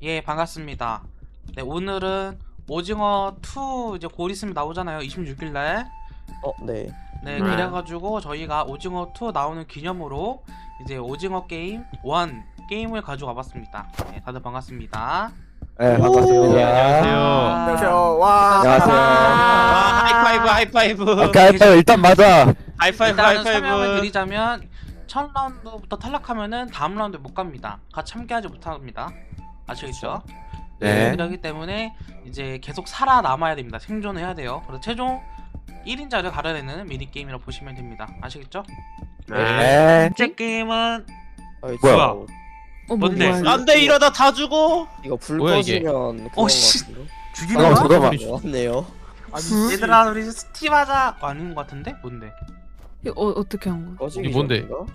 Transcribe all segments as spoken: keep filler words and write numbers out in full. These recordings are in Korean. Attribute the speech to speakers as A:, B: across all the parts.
A: 예, 반갑습니다. 네, 오늘은 오징어 투 이제 곧 있으면 나오잖아요. 이십육 일 날.
B: 어, 네.
A: 네,
C: 네.
A: 그래가지고 저희가 오징어 투 나오는 기념으로 이제 오징어 게임 일 게임을 가지고 와봤습니다. 네, 다들 반갑습니다.
D: 네, 반갑습니다.
C: 네, 안녕하세요.
B: 안녕하세요. 와.
D: 안녕하세요.
C: 아, 하이파이브 하이파이브
D: 오케이, 일단, 일단 맞아.
C: 하이파이브
A: 일단은 설명을
C: 하이파이브.
A: 드리자면 첫 라운드부터 탈락하면은 다음 라운드 못 갑니다. 같이 참가하지 못합니다. 아시겠죠?
D: 네.
A: 그렇기 때문에 이제 계속 살아남아야 됩니다. 생존을 해야 돼요. 그래서 최종 일 인자를 가려내는 미니게임이라고 보시면 됩니다. 아시겠죠?
D: 네.
A: 번째 게임은
B: 어이,
D: 뭐야?
B: 저,
E: 어, 뭐,
A: 뭔데?
E: 뭐야,
C: 안돼 이러다 다 죽어.
B: 이거 불
C: 뭐야, 이게?
B: 꺼지면 그런
A: 어, 씨.
B: 것 같은데?
A: 죽이는
D: 잠깐만,
A: 거야?
D: 잠깐만.
B: 맞네요.
A: 얘들아 우리 스팀하자. 어, 아닌 것 같은데? 뭔데?
E: 이거 어, 어떻게 한 거야?
B: 꺼지기
C: 이게 뭔데?
B: 전인가?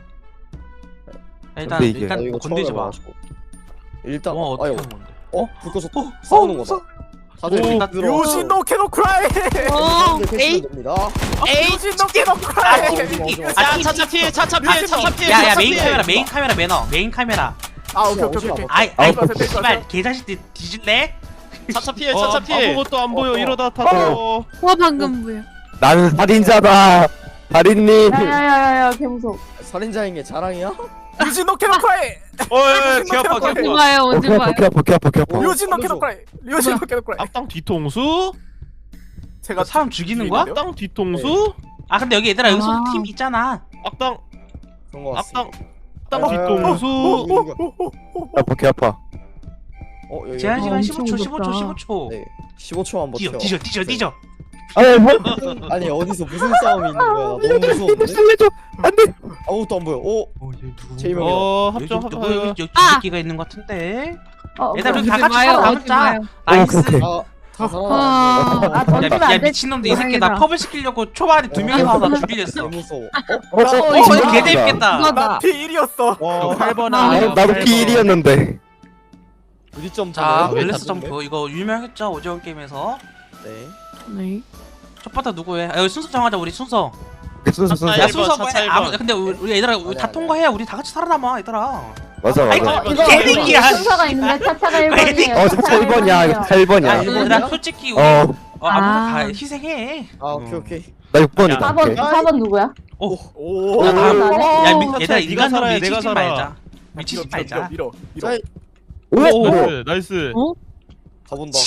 A: 일단
D: 근데 이게-
A: 일단
B: 나 이거
A: 뭐
B: 처음
A: 건들지 마.
B: 해봐가지고. 일단
A: 어 어떻게
B: 아유,
A: 하는 건데?
B: 어? 불 꺼졌다. 싸우는 거다. 다들
C: 오,
B: 일단 들어.
F: 요시노 캐노 크라이!
E: 어,
B: 에이 됩니다.
F: 요시노 캐노 크라이!
C: 야 차차 피해 차차 피해 차차 피해.
A: 야야
C: 차차
A: 메인
C: 피해.
A: 카메라 메인 카메라 매너 메인 카메라.
F: 아 오케이 오케이 오케이
A: 아이 아이
F: 뺄 거야,
A: 씨발 개자식들 뒤질래?
C: 차차 피해 차차 피해.
G: 아무것도 안 보여.
B: 어, 어.
G: 이러다 다 죽어.
E: 와 방금 뭐야?
D: 나는 살인자다. 살인님.
H: 야야야야 개무서워.
B: 살인자인 게 자랑이야?
F: 요시노 캐노 크라이!
C: 어이 개아파
E: 언제
C: 개아파.
E: 봐요? 언제
D: 오케이,
E: 봐요?
D: 오케이, 오케이, 오케이, 오케이.
F: 요시노 캐노 크라이! 요시노 캐노 크라이!
G: 앞당 뒤통수?
F: 제가
A: 사람 죽이는 거야?
G: 앞당 뒤통수?
A: 아 근데 여기 얘들아 여기
E: 아.
A: 팀 있잖아.
G: 앞당
B: 그런 거 같습니다.
G: 앞당 앞당
B: 아,
G: 뒤통수?
D: 아파, 개 아파.
B: 어, 여기
A: 제한 시간
E: 엄청
A: 십오 초 십오 초
E: 무섭다.
A: 십오 초.
B: 네. 십오 초만 버텨.
A: 뛰어 뛰어 뛰어 뛰어.
D: 아니, 뭐?
B: 아니 어디서 무슨 싸움이 있는 거야? 나 너무 무서운데?
D: 살려줘. 안 돼.
B: 아무것도 안 보여. 오, 제이명이다.
G: 어
A: 여기
G: 합정
A: 누구
G: 합정.
A: 여기 여기
E: 아!
A: 새끼가 있는 것 같은데.
H: 어,
A: 얘들아
H: 그럼-
A: 우리 다
E: 오지
A: 같이
E: 마요,
A: 살아남자.
E: 오지 마요.
A: 나이스.
D: 오케이, 오케이.
B: 아, 다
E: 아,
B: 살아남았네.
H: 아
A: 야,
H: 던지면
A: 야
H: 안 돼.
A: 미친놈들 이 새끼 나
E: 다행이다.
A: 컵을 시키려고 초반에 두 명이서 나 죽이겠어.
B: 개 무서워.
D: 어, 어,
A: 어
D: 어,
A: 이거 개 재밌겠다.
E: 이거다.
F: 피 일이었어!
B: 와,
G: 팔 번
E: 아,
G: 하네.
D: 어, 나도 피 일이었는데.
B: 우리 점
A: 자
B: 보네.
A: 웰레스 점프 이거 유명했죠 오징어 게임에서.
B: 네.
E: 네.
A: 첫 번째 누구해? 아, 여기 순서 정하자 우리 순서.
D: 순서, 순서.
C: 아,
A: 야
C: 일 번,
A: 순서
C: 차차
A: 해.
C: 일
A: 아무
C: 번.
A: 근데 우리, 우리 얘들아 우리
B: 아니,
A: 다
B: 아니,
A: 통과해야 우리 다 같이 살아남아 얘들아.
D: 맞아,
A: 아이,
D: 맞아.
A: 거-
H: 이거
A: 개새끼야.
H: 우리 순서가 있는데 차차가 일 번이에요.
D: 어, 저 일 번이야. 이거 일
A: 야
D: 번이야.
A: 얘들아 솔직히 우리
D: 어,
A: 어, 아무나
E: 아.
A: 다 희생해.
B: 아, 오케이 오케이.
D: 나 육 번이다.
H: 사 번
D: 오케이.
H: 사 번 누구야?
A: 오.
F: 오!
A: 야, 다음.
H: 어,
A: 야 미,
G: 차차,
A: 얘들아
G: 네가
A: 인간으로
G: 살아야 내가
A: 미치지
G: 살아.
A: 말자. 미치지 말자.
F: 밀어 밀어
B: 자,
D: 오, 오.
G: 나이스 나이스.
B: 가본다.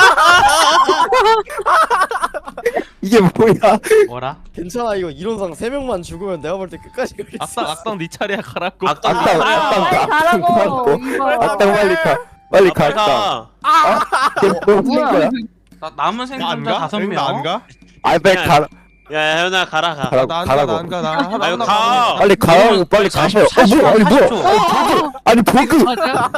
D: 이게 뭐야?
A: 뭐라?
B: 괜찮아 이거 이론상 세 명만 죽으면 내가 볼 때 끝까지 갈 수 있어.
G: 앞당 앞당 네 차례야 가라고.
C: 악당
D: 악당,
H: 아,
D: 악당,
H: 빨리
D: 악당.
H: 가라고. 이거.
D: 악당 빨리 가. 빨리 가, 악당.
C: 가.
D: 너 무슨 거야?
A: 나 남은 생존자 다섯
G: 안
A: 명.
G: 가?
D: 아이, 빨리 가.
C: 야 현아 가라 가.
D: 가라고,
G: 나안 가,
D: 가라고.
G: 나안 가, 나.
C: 아유 가.
D: 빨리 가라고, 빨리 가세요. 어, 뭐야, 아니, 뭐야. 아니, 버그.
E: 맞아.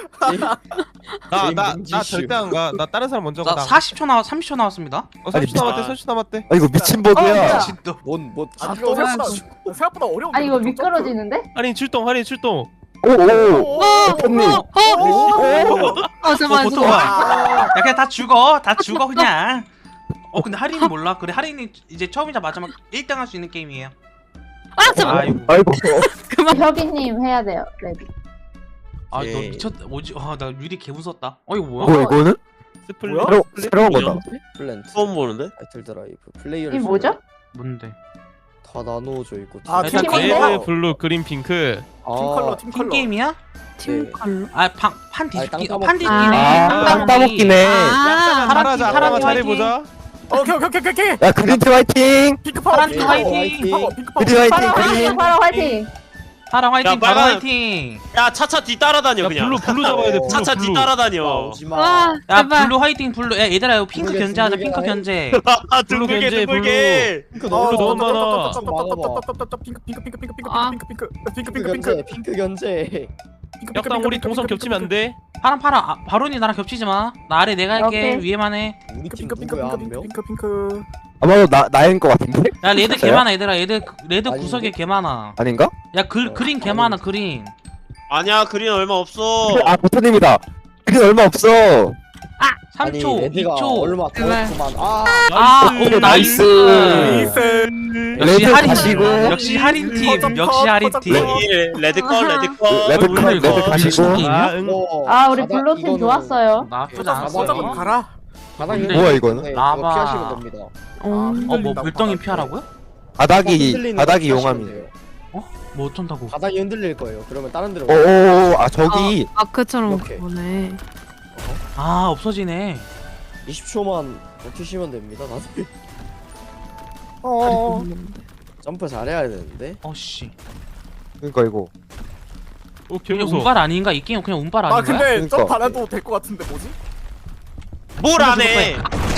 G: 나, 나,
B: 민지
G: 나
B: 씨.
G: 절대 안 가. 나 다른 사람 먼저 가.
A: 나
G: 나.
A: 사십 초 나와 삼십 초 나왔습니다.
G: 어, 삼십 초
C: 아니,
G: 남았대,
C: 미-
G: 삼십 초 남았대.
D: 아, 이거 미친
H: 어,
D: 버그야.
H: 뭐야.
A: 진짜.
B: 뭔뭐
F: 아
B: 또
F: 생각보다 생각보다 어려운데
H: 아니 이거 미끄러지는데?
G: 할인 출동, 할인 출동.
D: 오, 오.
E: 어,
D: 언니.
E: 어, 어, 어, 잠깐만,
A: 보통
E: 잠깐만.
A: 야 그냥 다 죽어. 다 죽어 그냥. 어 근데 할인이 몰라. 그래 할인이 이제 처음이자 마지막 일 등 할 수 있는 게임이에요.
E: 아, 잠깐만.
A: 아이고.
D: 아이고.
H: 혁이님 해야 돼요. 레디.
A: 아너
B: 예.
A: 미쳤다. 뭐지? 아나 유리 개 무섭다. 어 이거 뭐야?
D: 뭐, 이거는?
G: 스플릿.
F: 뭐야?
D: 새로, 새로운 거다.
B: 플랜트.
C: 처음 보는데?
B: 타이틀 드라이브. 플레이어를
H: 이 뭐죠?
A: 뭔데?
B: 다 나누어져 있고.
F: 아,
A: 일단
H: 팀인데?
A: 그거-
G: 레드, 블루, 그린, 핑크.
B: 아,
F: 팀 컬러 팀
A: 팀
F: 컬러
A: 게임이야?
E: 팀 컬러.
A: 아판판
B: 아니,
A: 뒤집기.
B: 땅
A: 어, 판
B: 따먹기.
A: 뒤집기네.
E: 아,
A: 땅
D: 땅 따먹기네.
E: 아,
A: 파란
G: 잘하자,
A: 팀, 파란
G: 아빠가
A: 팀
G: 잘해보자.
F: 오케이 오케이 오케이 오케이
D: 야, 그린팀 화이팅!
F: 핑크 파워
A: 파란
F: 핑크
A: 팀
F: 파워
A: 화이팅.
F: 파워, 핑크 파워
D: 그린 화이팅,
H: 파라 화이팅.
D: 그린.
H: 파라 화이팅.
A: 파랑 화이팅.
C: 야,
A: 파랑
C: 빨간-
A: 화이팅.
C: 야 차차 뒤 따라다녀
G: 야,
C: 그냥.
G: 블루, 블루 잡아야 돼, 블루,
C: 차차 뒤
G: 블루.
C: 따라다녀.
B: 오지마.
E: 와,
A: 야
E: 제발.
A: 블루 화이팅 블루. 야 얘들아 이거 핑크
B: 둥글게,
A: 견제하자.
B: 둥글게
A: 핑크
B: 하네.
A: 견제.
C: 아
G: 블루
C: 둥글게
G: 견제,
C: 둥글게.
B: 핑크
G: 블루 너무 많아.
F: 핑크 핑크 핑크 핑크 핑크
E: 아.
F: 핑크 핑크 핑크
B: 핑크
F: 핑크
B: 견제.
F: 핑크
B: 핑크 견제.
G: 약당 우리 동선 겹치면 안 돼.
A: 파랑 파랑. 아, 바론이 나랑 겹치지 마. 나 아래 내가 할게.
H: 오케이.
A: 위에만 해.
B: 우리 팀
F: 핑크 핑크
B: 누구야 한
F: 핑크
B: 명?
F: 핑크 핑크
D: 아마도 나, 나인 것 같은데?
A: 야 레드 개
D: 진짜요?
A: 많아 얘들아. 얘들 레드
B: 아닌데?
A: 구석에 개 많아.
D: 아닌가?
A: 야 그,
B: 어,
A: 그린 개
B: 아니.
A: 많아 그린.
C: 아니야 그린 얼마 없어.
D: 아, 보타님이다. 그린 얼마 없어.
A: 삼 초,
B: 아니
A: 이
B: 레드가
A: 초.
B: 얼마 더
E: 제발.
B: 했구만. 아
A: 아,
G: 나이스.
A: 오, 나이스.
F: 나이스.
A: 역시
D: 레드
A: 할인
D: 가시고.
A: 역시 할인 팀.
F: 퍼져,
A: 역시
F: 퍼져,
A: 할인
F: 퍼져,
A: 팀.
F: 퍼져.
C: 레드 레드 컬 레드 컬.
D: 레드 컬,
A: 오늘
D: 레드
A: 이거
D: 가시고.
A: 미친 게임이야?
G: 아, 응.
B: 이거
H: 아 우리
B: 바닥-
H: 블루팀
B: 이거는
H: 좋았어요.
A: 나쁘지
F: 퍼져
A: 않았어.
F: 가라.
B: 바닥
A: 근데
D: 뭐야, 이거는?
B: 네,
A: 라바.
B: 그거 피하시면 됩니다.
E: 어.
A: 어, 뭐
F: 흔들린다고
A: 물덩이
F: 바닥에.
A: 피하라고요?
D: 바닥이
B: 흔들리는
D: 바닥이
B: 거
D: 용암이에요.
B: 피하시면 돼요.
A: 뭐 어쩐다고?
B: 바닥이 흔들릴 거예요. 그러면 다른 데로.
D: 오오오 아 저기
E: 아크처럼
B: 이렇게.
E: 보네.
A: 아, 없어지네.
B: 이십 초만 버티시면 됩니다. 다들
F: 어.
B: 점프 잘해야 되는데.
A: 어 씨.
D: 그러니까 이거
G: 어,
A: 그냥
G: 개무서.
A: 운빨 아닌가? 이 게임 그냥 운빨
F: 아
A: 아닌가?
F: 근데
D: 그러니까.
F: 점프 안 해도 될 것 같은데 뭐지?
C: 뭘 안 해?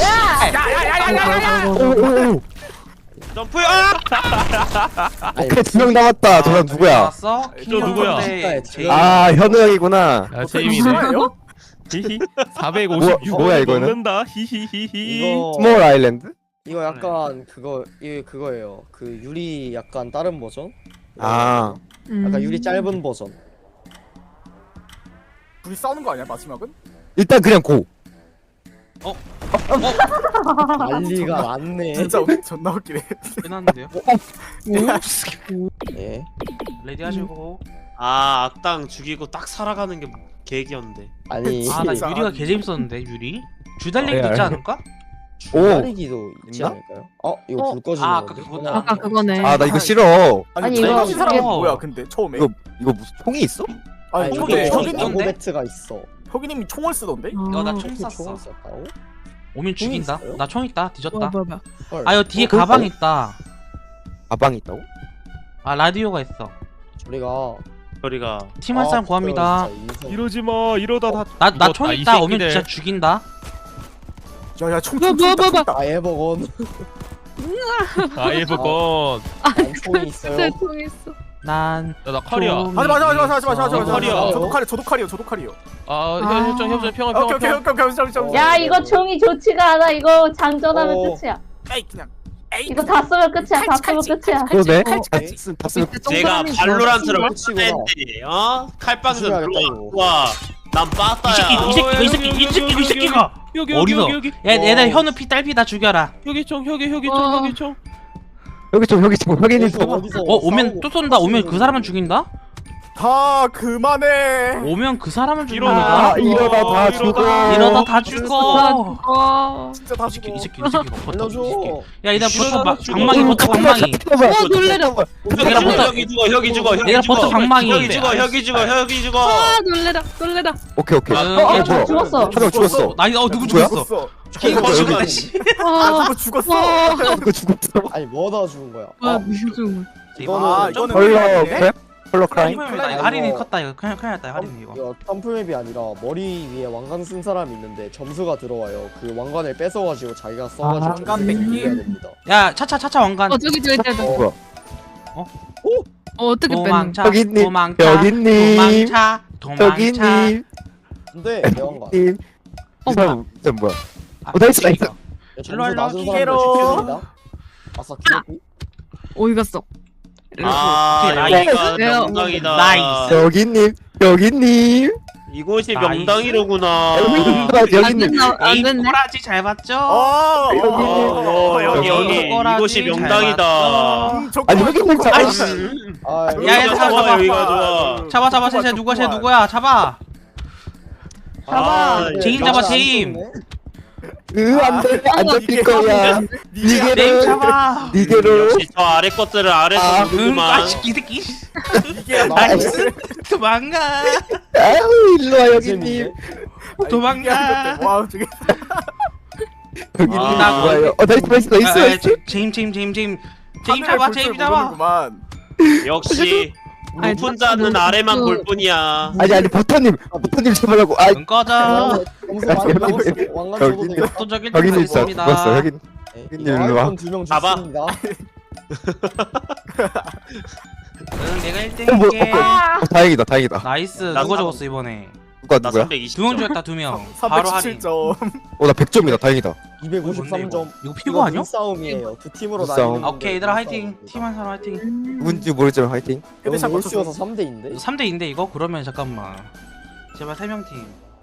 D: 오오오
C: 점프. 아!
B: 아니,
D: 오케이 두 명 남았다. 저 사람 누구야?
A: 나왔어?
G: 저 누구야?
A: 제이.
D: 아 현우 형이구나.
G: 아,
F: 어떻게
G: 제임이네.
F: 싫어해요?
G: 히히. 사백오십육
D: 뭐- 뭐야, 이거는?
G: 먹는다. 히히히히.
B: 이거
D: 스몰 아일랜드?
B: 이거 약간 그거 이 그거예요. 그 유리 약간 다른 버전.
D: 아
B: 약간
E: 음.
B: 유리 짧은 버전.
F: 둘이 싸우는 거 아니야 마지막은?
D: 일단 그냥 고.
B: 난리가 났네.
F: 진짜 웃- 존나 웃기네.
A: 끝났는데요?
B: 예.
A: 레디 하시고.
C: 아 악당 죽이고 딱 살아가는 게 계획이었는데.
B: 아니.
A: 아, 나
F: 진짜.
A: 유리가 개 재밌었는데 유리. 주달리기도
D: 네,
A: 있지
D: 알-
A: 않을까?
D: 오.
B: 다리기도 있지
D: 있나?
B: 않을까요? 어 이거
E: 어?
B: 불 꺼지는
A: 아, 아까
B: 건데.
A: 그거다.
E: 아까 그거네.
D: 아 나 이거 싫어.
F: 아니,
H: 아니,
F: 이거
H: 이거
F: 친 사람은
A: 이거-
F: 뭐야 근데 처음에?
D: 이거 이거 무슨 총이 있어?
F: 아니
B: 아니
A: 총이
F: 근데
A: 있어.
F: 혁이님
A: 있던데?
B: 고베트가 있어.
F: 혁이님이 총을 쓰던데?
A: 이거 나
E: 어.
A: 총 쐈어.
B: 총을 썼다고?
A: 오면 죽인다.
B: 있어요?
A: 나 총 있다.
E: 뭐야
A: 뒤졌다.
E: 뭐야 뭐야.
B: 헐.
A: 아, 여기 뒤에
D: 어,
A: 가방
D: 그럴까?
A: 있다.
D: 가방이 있다고?
A: 아, 라디오가 있어.
B: 우리가
C: 저리가.
A: 팀 한 사람 구합니다.
G: 이러지 마. 이러다 다.
A: 나 나
G: 이거-
A: 총
G: 아, 이
A: 있다. 오면
G: 새끼들.
A: 진짜 죽인다.
F: 야야 총
E: 뭐야,
F: 총
E: 뭐야,
F: 총
E: 뭐야,
F: 있다.
B: 아 에버건
G: 아, 일부건.
B: 난 총이 있어요.
E: 네, 총 있어.
A: 난
G: 야, 나 칼이야.
A: 좀
F: 하지 마 하지 마 하지 마 하지 마 하지 마
G: 어, 칼이야.
F: 저도 칼이요 저도 칼이요 저도 칼이요.
G: 아,
E: 아.
G: 협정, 협정, 평화,
F: 오케이
G: 평화,
F: 오케이
G: 평화.
F: 오케이 오케이 잠시 잠시.
H: 야 이거 총이 좋지가 않아. 이거 장전하면
B: 어.
H: 끝이야.
F: 에이 그냥. 에이
H: 이거 다 쓰면 끝이야. 다 쓰면 끝이야.
D: 그러네.
B: 칼치,
D: 다
B: 칼치.
D: 쓰- 다 쓰면
E: 밑에
C: 제가
E: 동그라미
C: 발로란트를
B: 뭐야?
C: 했는데 어? 칼빵전
B: 조심해야겠다, 이거.
C: 들어와. 난
A: 이 새끼
C: 빠따야.
A: 이 새끼 이 새끼 이 새끼 이 새끼가
G: 여기,
A: 어디서?
G: 여기, 여기, 여기.
A: 야, 얘들
B: 어.
A: 현우 피 딸피 다 죽여라.
G: 여기 총, 여기, 여기 총,
E: 어.
G: 여기 총.
D: 여기 좀 여기 좀 확인해
B: 어디서,
D: 줘.
B: 어디서
A: 어, 오면
B: 싸우고
A: 또 쏜다. 오면 그 사람은 죽인다.
F: 다 그만해.
A: 오면 그 사람은
G: 일어나.
A: 죽인다.
D: 이러다 다
G: 이러다.
D: 죽어.
A: 이러다 다 죽어.
E: 어.
F: 진짜 다
A: 이 새끼
F: 죽어.
A: 이 새끼 이 새끼 버터 이 새끼.
B: 알려줘.
A: 야, 얘들아 버터
G: 일어나,
A: 막
G: 죽어.
A: 방망이 버터 방망이.
E: 어 놀래라.
C: 혁이 죽어 혁이 죽어 혁이 죽어
A: 얘들아,
C: 혁이
A: 버터
C: 죽어
A: 방망이.
C: 혁이 죽어 혁이 죽어 혁이 죽어.
E: 아 놀래라 놀래라.
D: 오케이 오케이.
A: 어,
D: 어,
A: 어,
D: 뭐야?
H: 저 죽었어.
D: 한 명 죽었어.
A: 나 이거 어, 누구
D: 누구야?
A: 죽였어?
F: 죽었어.
A: 걔
C: 이거
A: 죽였다.
C: 죽었네.
A: 씨.
F: 아
E: 와.
F: 누구 죽었어.
E: 와.
D: 이거 죽었어.
B: 아니 뭐다 죽은 거야?
E: 뭐야
B: 아,
E: 무슨.
B: 이거는
F: 아 이거는
D: 헐러
F: 왜
D: 크랩? 헐러 크라임?
A: 이거
B: 이거-
A: 할인이 컸다 이거. 그냥 그냥 했다 할인 이거.
B: 이거 점프맵이 아니라 머리 위에 왕관 쓴 사람이 있는데 점수가 들어와요. 그 왕관을 뺏어가지고 자기가 써가지고
F: 왕관
B: 점수를
F: 뺏기?
B: 해야 됩니다.
A: 야, 차차 차차 왕관.
E: 어 저기 저기 저기.
D: 뭐야?
E: 어 어떻게 뺐는?
A: 도망차.
D: 여기님,
A: 도망차.
D: 여기님,
A: 도망차. 도망차.
D: 저기님,
B: 근데 내 왕관.
D: 님.
E: 어,
D: 이 사람 이 사람 뭐야?
A: 아,
D: 어, 나이스, 나이스.
B: 야, 점수
A: 일로 와, 일로 와,
B: 낮은
F: 기계로.
B: 사람들 죽습니다. 아싸 기회비.
E: 어디 갔어?
C: 아
A: 오케이,
C: 여기가
E: 왜요?
C: 명당이다.
A: 나이스.
D: 여기님, 여기님,
C: 이곳이
A: 나이스.
C: 명당이로구나.
D: 여기님,
E: 안
D: 여기님.
E: 됐나? 안
A: 에임
E: 됐네.
A: 꼬라지 잘 봤죠?
F: 어.
C: 어, 여기 여기
A: 꼬라지
C: 이곳이
A: 잘
C: 명당이다.
A: 봤죠?
F: 음, 좋고,
D: 아니 여기님
F: 좋고.
D: 잡아.
A: 아이씨.
B: 아,
A: 야,
C: 여기가
A: 얘들아,
C: 좋아
A: 잡아.
C: 여기가 좋아.
A: 잡아 잡아 쟤 누구야 쟤 누구야 잡아.
H: 잡아.
C: 아,
A: 제인
B: 아,
A: 잡아,
B: 안
A: 제인.
B: 좋네.
D: 으 안돼 안 잡힐
F: 이게
D: 거야.
F: 네가
A: 네임
D: 니게로,
A: 잡아.
D: 니게로.
C: 역시 저 아래 것들을 아래서
D: 아,
A: 응,
C: 누구만.
A: 아씨 이 새끼.
F: 이게
A: 나이스. 도망가.
D: 아유 일로 와 여기님.
B: 재밌네.
A: 도망가.
F: 와 저게
D: 여기님
C: 아.
D: 좋아요. 어 나이스 나이스 나이스
A: 아, 아,
D: 나이스.
A: 제임 제임 제임 제임. 제임
F: 하늘을
A: 잡아
F: 볼 줄
A: 제임 잡아.
F: 모르는구만.
C: 역시
E: 아니,
C: 높은 자는
E: 그-
C: 아래만
E: 그-
C: 볼 뿐이야.
D: 아니 아니 버터님 버터님 잡으라고. 아
A: 눈 꺼져.
B: 점수 많이
D: 여기,
B: 먹었어.
D: 여기,
B: 왕관
D: 여기,
B: 줘도 되겠다.
A: 압도적인
D: 여기님 진짜
A: 있습니다.
D: 죽었어 여기.
B: 네,
D: 여기
B: 이거
D: 일로 와.
B: 아이폰 두명
C: 봐봐.
B: 죽습니다.
A: 응, 내가
D: 어, 뭐,
A: 일 등할게.
H: 아.
D: 어, 다행이다 다행이다.
A: 나이스.
C: 나
A: 누가
C: 삼-
A: 적었어 이번에?
D: 누가
C: 나
D: 누구야?
C: 삼백이십
A: 두 명
C: 점.
A: 죽였다 두 명. 바로 할인.
F: 삼백십칠 점.
D: 어나 백 점이다 다행이다.
B: 이백오십삼 점.
A: 이거 피고 아니야?
B: 싸움이에요. 두 팀으로
D: 눈싸움.
B: 나뉘는
A: 오케이 얘들아 화이팅. 팀 한 사람 화이팅.
D: 누군지 모르지만 화이팅.
B: 여기
F: 헤드샷
B: 올수여서
F: 맞춰서.
B: 삼 대인데.
A: 삼 대인데 이거? 그러면 잠깐만. 제발 세 명 팀.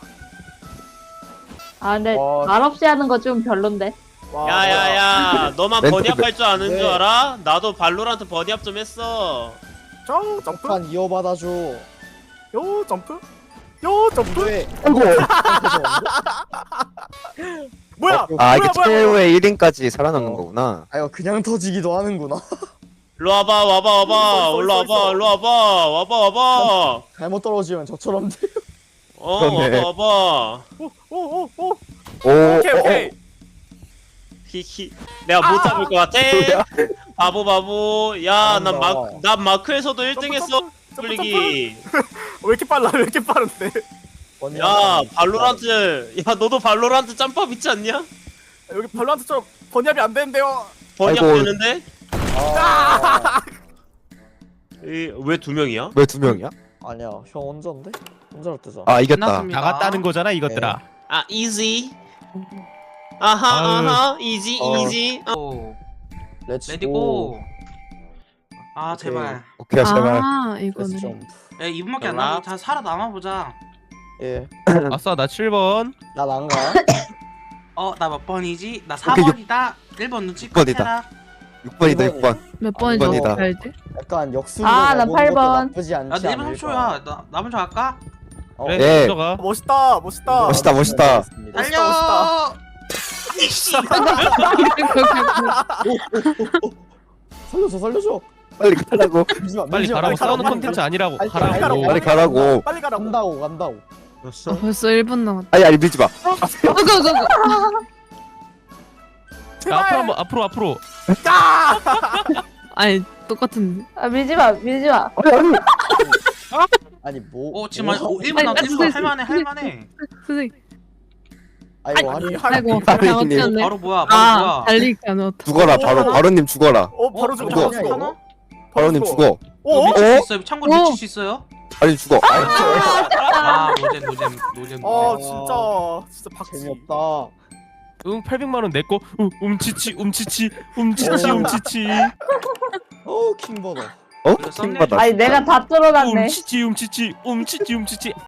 H: 아 근데
B: 와.
H: 말 없이 하는 거 좀 별론데.
F: 와,
C: 야야야 너만
D: 멘트,
C: 버니압 할 줄 아는
B: 네.
C: 줄 알아? 나도 발로란트 버니압 좀 했어.
F: 저 점프.
B: 판 이어받아줘.
F: 요 점프. 요 점프.
B: 왜?
D: 아이고.
F: 뭐야?
D: 아 이게
F: 뭐야, 뭐야,
D: 최후의 일 인까지 살아남는
B: 어.
D: 거구나.
B: 아 이거 그냥 터지기도 하는구나.
C: 일로 와봐 와봐 와봐
F: 있어,
C: 올라
F: 있어,
C: 와봐
F: 있어.
C: 일로 와봐 와봐 와봐.
B: 잘못 떨어지면 저처럼 돼.
C: 어
D: 그러네.
C: 와봐 와봐.
F: 오오오 오.
D: 오.
F: 오케이
D: 어,
F: 오케이.
C: 히히 내가 못 잡을 것 같아.
D: 뭐야?
C: 바보 바보. 야난
B: 잘한다.
C: 마 난 마크에서도 일 등 했어.
F: 점프, 점프,
C: 풀리기.
F: 왜 이렇게 빨라? 왜 이렇게 빠른데?
C: 야 발로란트 야 너도 발로란트 짬밥 있지 않냐?
F: 여기 발로란트처럼 번역이 안 되는데요.
C: 번역
D: 아이고.
C: 되는데?
B: 아,
C: 왜 두 명이야?
D: 왜 두 명이야?
B: 아니야 형 혼자인데? 혼자로 뜨자.
D: 아 이겼다.
A: 끝났습니다.
G: 나갔다는 거잖아 이것들아.
C: 아 이지. 아하
G: 아유.
C: 아하 이지
B: 어.
C: 이지.
A: 오,
B: 렛츠
A: 레디고.
B: 고.
A: 아 제발.
D: 오케이 제발.
E: 아
B: 렛츠
E: 이거네.
B: 점프.
A: 야 이 분밖에 안
C: 연락.
A: 남았. 자 살아남아 보자.
B: 예.
G: 아싸 나 칠 번.
B: 난 안 가.
A: 어 나 몇 번이지? 나
D: 오케이, 육-
A: 사 번이다. 일 번 눈치
D: 육 번이다.
A: 해라.
D: 육 번이다 육 번.
E: 몇 번이죠?
D: 번이다.
E: 알지?
B: 약간 역순으로
H: 아, 나
B: 가보는
H: 팔
B: 것도
H: 번.
B: 나쁘지 않지
A: 야 내 일 분
B: 않을까.
A: 삼 초야. 나, 나 먼저 갈까?
B: 어,
G: 그래
D: 네.
G: 먼저 가.
F: 멋있다 멋있다.
D: 멋있다, 멋있다.
B: 알겠습니다.
F: 멋있다, 멋있다.
A: 이씨.
B: 살려줘 살려줘.
D: 빨리 가라고.
B: 밀지마,
G: 빨리
B: 밀지마,
G: 가라고.
B: 밀지마.
G: 싸우는 컨텐츠 아니라고.
B: 빨리
G: 가라고.
B: 가라고.
D: 빨리 가라고.
F: 빨리 가라고.
B: 간다고 간다고.
E: 아, 벌써 일 분 남았다.
D: 아니 아니 밀지 마.
E: 그거 그거.
G: 야,
F: 제발.
G: 앞으로 한번 앞으로 앞으로.
F: 아!
E: 아니 똑같은데.
H: 아 밀지 마 밀지 마.
B: 아니 뭐?
A: 어 지금
B: 뭐?
A: 한 오, 일 분 남았. 일 분 할만해 할만해.
E: 선생님.
B: 아이고 아니.
E: 아이고
D: 아니,
E: 잘못했네.
A: 바로 뭐야? 바로
E: 아
A: 뭐야?
E: 달리기 안 왔다.
D: 죽어라 바로 바로님 죽어라.
F: 어 바로
A: 어,
F: 죽어.
B: 이거
F: 바로
B: 아니야,
F: 죽어.
B: 이거?
D: 바로님 죽어.
F: 어?
A: 미칠
D: 어?
A: 수 있어요. 참고로
E: 어.
A: 미칠 수 있어요?
D: 아니 죽어. 아니,
A: 아 노잼 노잼 노잼.
F: 아
A: 노잼.
F: 진짜 진짜 박지.
B: 재미없다.
G: 응 팔백만 원 내꺼. 음, 움치치 움치치 움치치
B: 어.
G: 움치치.
B: 어 킹버더.
D: 어?
A: 이거 썸네일
D: 킹받아.
H: 아니 내가 다 뚫어놨네.
G: 움치치 움치치 움치치 움치치.